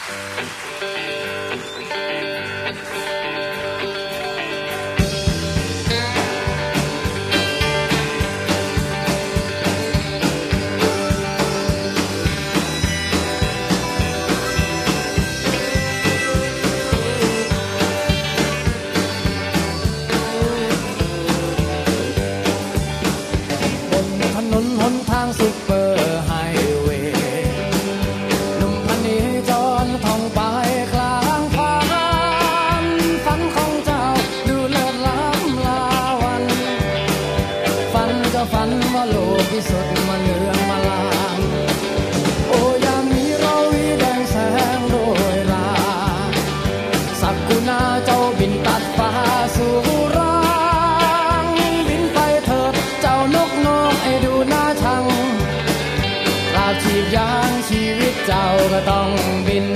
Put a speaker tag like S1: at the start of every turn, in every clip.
S1: เจ้าก็ต้องบิน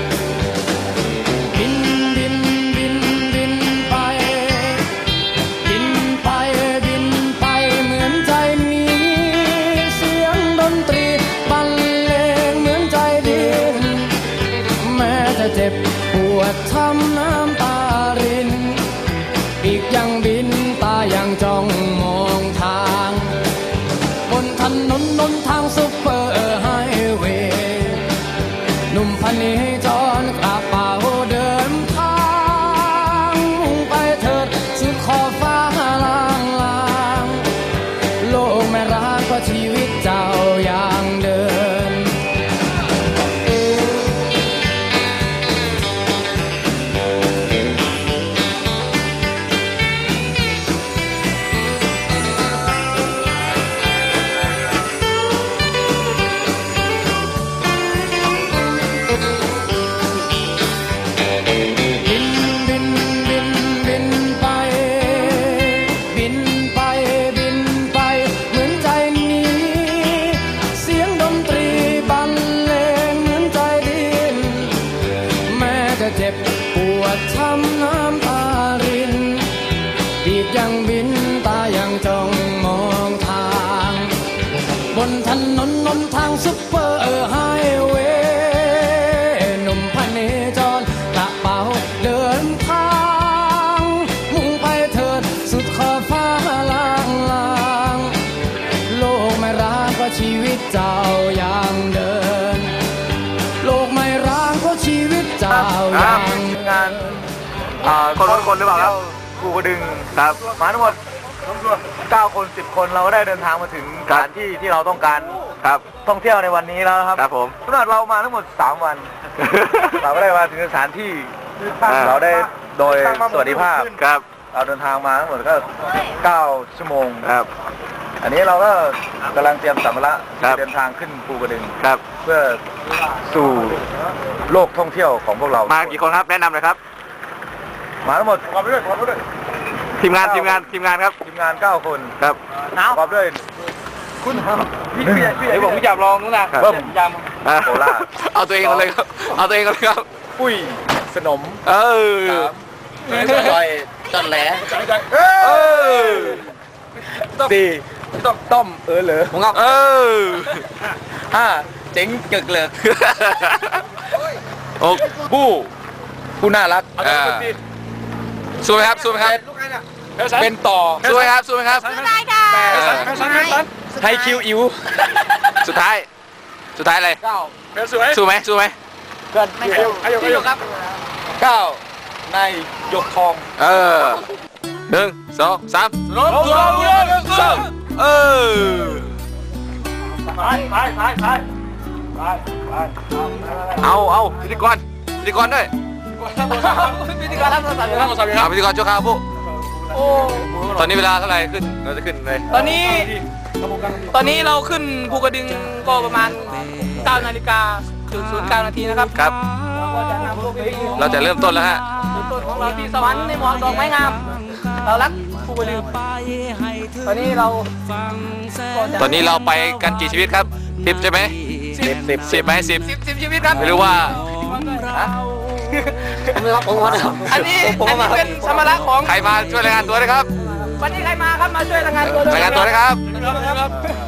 S1: บินบินบินบินไปบินไปบินไปเหมือนใจมีเสียงดนตรีบรรเลงเหมือนใจดินแม้จะเจ็บปวดช้ำน้ำตารินปีกยังบินตายังจ้องมองทางบนถนนนนทางซุปเปอร์ไฮเวย์หนุ่มพเนจรกระเป๋าเดินทางไปเถิดสุดขอบฟ้าลางลางโลกไม่รักก็ชีวิตเจ้าอย่างเดินเจ็บปวดช้ำน้ำตารินปีกยังบินตายังจ้องมองทางบนถนนนนทางซุปเปอร์ไฮเวย์หนุ่มพเนจรกระเป๋าเดินทางมุ่งไปเถิดสุดขอบฟ้าลางลางโลกไม่รักก็ชีวิตเจ้าอย่างเดินโลกไม่รักก็ชีวิตเจ้าอย่าง
S2: งานคนหรือเปล่าครับภูกระดึงครับมาทั้งหมด9 คน 10 คนเราได้เดินทางมาถึงสถานที่ที่เราต้องการครับท่องเที่ยวในวันนี้แล้วครับครับผมเรามาทั้งหมด3 วันเราก็ได้มาถึงสถานที่เราได้โดยสวัสดิภาพครับเราเดินทางมาทั้งหมดก็9 ชั่วโมงครับอันนี้เราก็กำลังเตรียมสัมภาระเดินทางขึ้นภูกระดึงครับเพื่อสู่โลกท่องเที่ยวของพวกเรามากี่คนครับแนะนำเลยครับมาทั้งหมดประกอบด้วยทีมงานครับทีมงาน9 คนครับประกอบด้วยคุณพี่ผมพี่จับลองนู้นนะเบิ้มยำโคราเอาตัวเองกันเลยครับเอาตัวเองกันเลยครับปุ้ยสนมซอยต้นแหลสี่ต้มเหรอผมครับ5เจ๋งเกิกเลย6ผู้น่ารักสู้ไหมครับเป็นต่อสู้ไหมครับสู้ไหมครับสู้ได้ค่ะไทยคิวอิ๋วสุดท้ายอะไรสู้ไหมเกินอายุครับ9นายยกทอง1 2 3รถตัวเอาพิธีกรด้วยพิธีกรรับโทรศัพท์พิธีกรชั่วคราวปุ๊ตอนนี้เวลาเท่าไหร่ขึ้นเราจะขึ้นเลย
S3: ตอนนี้เราขึ้นภูกระดึงก็ประมาณ9 นาฬิกา09 นาทีนะครับ
S2: ครับเราจะเริ่มต้นแล้วฮะ
S3: ต้นของเราที่สวรรค์ในหมอกดอกไม้งามเรารักภูกระดึงตอนนี้เราไปกันกี่ชีวิตครับ10ใช่ไหม10ไหม10ชีวิตครับ
S2: ไม่รู้ว่า
S3: อันนี้เป็นสมรรถของ
S2: ใครมาช่วยรายงานตัวเลยครับ
S3: วันนี้ใครมาครับมาช่วยรายงานตัว
S2: เลยครับ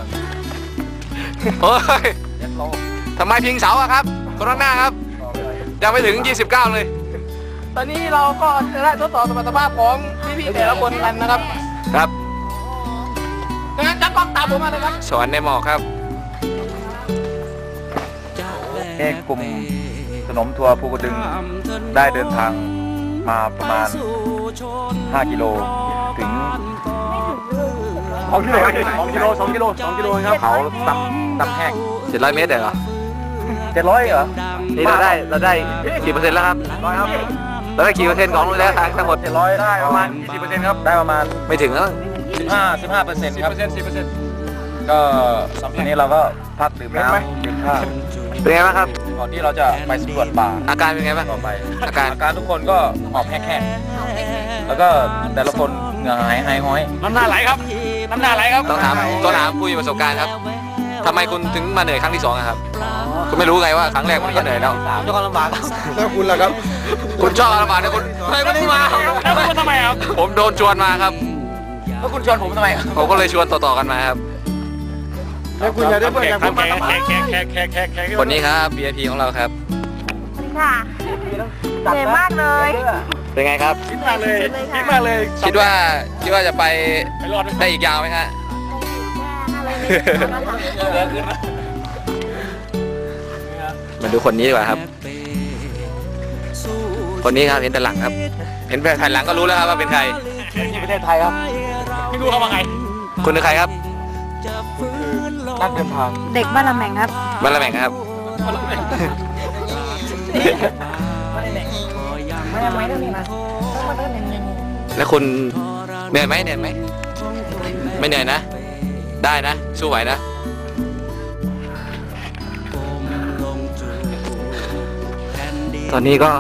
S2: โอ้ยทำไมพิงเสาอะครับคนข้างหน้าครับ
S3: ยังไม่ถึง 29 เลย
S1: ตอนนี้เราก็จะได้ทดสอบสมรรถภาพของพี่ๆแต่ละคนกันนะครับ
S3: ครับ
S1: ดังนั้นจับกล้องตามผมมาเลยครับ
S3: สวรรค์ในหมอกครับ
S2: กลุ่มสนมทัวร์ภูกระดึงได้เดินทางมาประมาณ 5 กิโลถึง2 กิโลครับเขาตำแห้ง
S3: 700 เมตรเหรอ
S2: 700เหรอ
S3: นี่เราได้กี่เปอร์เซ็นต์แล้วครับ
S2: ร้อยครับ
S3: เราได้กี่เปอร์เซ็นต์ของระยะทางทั้งหมด
S2: 700ได้ประมาณ 20%ครับได้ประมาณ
S3: ไม่ถึงแล้ว
S2: 15%ครับก็ทีนี้เราก็พักดื่มน้ำดื่มข้าว
S3: เป็นไงบ้างครับ
S2: ก่อนที่เราจะไปสำรวจป่า
S3: อาการเป็นไงบ้าง
S2: ต่อไป
S3: อาการ
S2: ทุกคนก็หอบแห้งๆแล้วก็แต่ละคนเหงื่อหายห้อย
S1: น้ำหน้าไหลครับ น้ำหน้าไหลครับ
S3: ต้องถามผู้มีประสบการณ์ครับทำไมคุณถึงมาเหนื่อยครั้งที่ 2อะครับ คุณไม่รู้ไงว่าครั้งแรกมันก็เหนื่อยแล้ว
S2: ด้วยความลำบากแล้วคุณล่ะครับ
S3: คุณชอบอาราบาดนะคุณทำไมคุณไม่มา
S1: แล้วคุณทำไมครับ
S3: ผมโดนชวนมาครับ
S2: แล้วคุณชวนผมทำไม
S3: ผมก็เลยชวนต่อๆกันมาครับ
S2: แล้วคุณอย่าได้เพื่อนอย่างผมมา
S1: แขก
S3: คนนี้ครับ VIP ของเราครับ
S4: ค่ะเหนื่อยมากเลย
S3: เป็นไงครับ
S1: คิดมากเลยคิดมากเลย
S3: คิดว่าจะไป
S1: ไปรอด
S3: ได้อีกยาวไหมฮะ มาดูคนนี้ดีกว่าครับ คนนี้ครับเห็นแต่หลังครับ เห็นแต่ถ่ายหลังก็รู้แล้วครับว่าเป็นใคร
S2: ที่ประเทศไทยครับ
S1: ไม่รู้เขาว่าไง
S3: คุณเป็นใครครับ
S2: นักเดินทาง
S4: เด็กบ้านละแมงครับ
S3: บ้านละแม่งครับ
S4: ไม่ต้องมีมา
S3: แล้วคุณเหนื่อยไหมไม่เหนื่อยนะ ได้นะ สู้ไหวนะ ตอนนี้ก็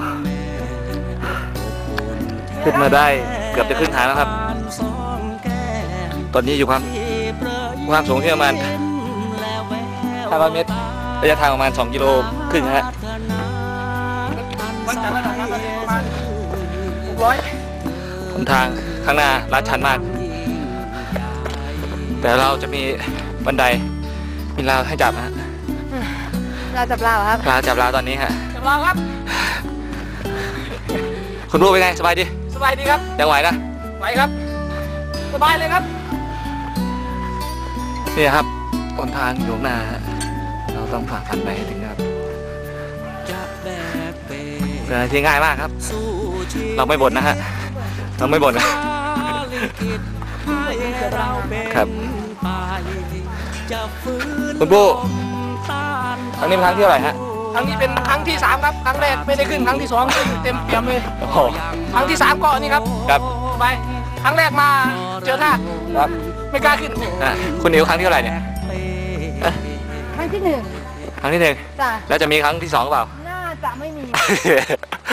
S3: ขึ้นมาได้เกือบจะครึ่งทางแล้วครับ ตอนนี้อยู่ความสูงที่ประมาณ500 เมตร ระยะทางประมาณ2 กิโลครึ่งฮะ
S1: วันจันทร์ระดับน้ำประมาณ600
S3: หนทางข้างหน้าลาดชันมาก แต่เราจะมีบันได มีราวให้จับนะฮะ
S4: เราจับเราครับ
S3: ราวจับราวตอนนี้ฮะ
S1: จับเราครับ
S3: คุณรู้เป็นไง สบายดี
S1: สบายดีครับ
S3: ยังไหวนะ
S1: ไหวครับ สบายเลยครับ
S3: นี่ครับหนทางอยู่ข้างหน้าฮะเราต้องผ่าฟันไปให้ถึงครับเป็นอะไรที่ง่ายมากครับ เราไม่บ่นนะฮะ เราไม่บ่นนะครับ คุณปู่ครั้งนี้เป็นครั้งที่เท่าไหร่ฮะ
S1: ครั้งนี้เป็นครั้งที่ 3 ครับ ครั้งแรกไม่ได้ขึ้น ครั้งที่ 2 ขึ้นเต็มเปี่ยมเลย
S3: โอ้โห
S1: ครั้งที่ 3 ก็นี่ครับ
S3: ครับ
S1: ไป ครั้งแรกมาเจอหน้า
S3: ครับ
S1: ไม่กล้าขึ้น
S3: อ่ะคุณนิวครั้งที่เท่าไหร่เนี่ย
S4: ครั้งที่
S3: ครั้งที่ 1
S4: จ้ะ
S3: แล้วจะมีครั้งที่ 2หรือเปล่า
S4: น่าจะไม่มี